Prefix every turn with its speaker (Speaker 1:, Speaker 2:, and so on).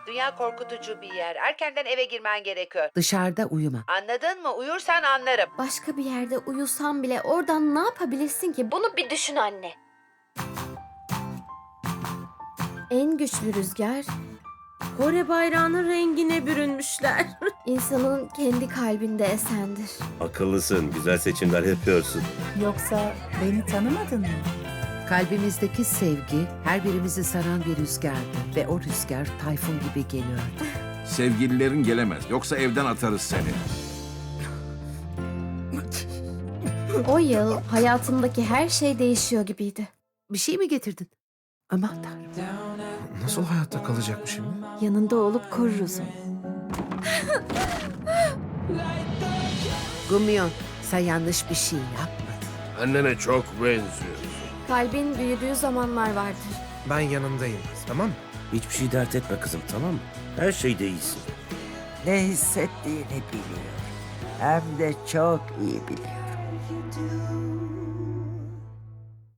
Speaker 1: Dünya korkutucu bir yer. Erkenden eve girmen gerekiyor.
Speaker 2: Dışarıda uyuma.
Speaker 1: Anladın mı? Uyursan anlarım.
Speaker 3: Başka bir yerde uyusan bile oradan ne yapabilirsin ki? Bunu bir düşün anne. En güçlü rüzgar
Speaker 4: Kore bayrağının rengine bürünmüşler.
Speaker 3: insanın kendi kalbinde esendir.
Speaker 5: Akıllısın, güzel seçimler yapıyorsun.
Speaker 6: Yoksa beni tanımadın mı?
Speaker 2: Kalbimizdeki sevgi her birimizi saran bir rüzgardı ve o rüzgar tayfun gibi geliyordu.
Speaker 7: Sevgililerin gelemez. Yoksa evden atarız seni.
Speaker 3: O yıl hayatımdaki her şey değişiyor gibiydi.
Speaker 2: Bir şey mi getirdin? Aman Tanrım.
Speaker 8: Nasıl hayatta kalacak şimdi?
Speaker 3: Yanında olup koruruz onu.
Speaker 2: Gumyon, sen yanlış bir şey yapmadın.
Speaker 9: Annene çok benziyorsun.
Speaker 3: Kalbin büyüdüğü zamanlar vardır.
Speaker 8: Ben yanındayım, tamam mı?
Speaker 5: Hiçbir şey dert etme kızım, tamam mı? Her şeyde iyisin.
Speaker 10: Ne hissettiğini biliyor. Hem de çok iyi biliyor.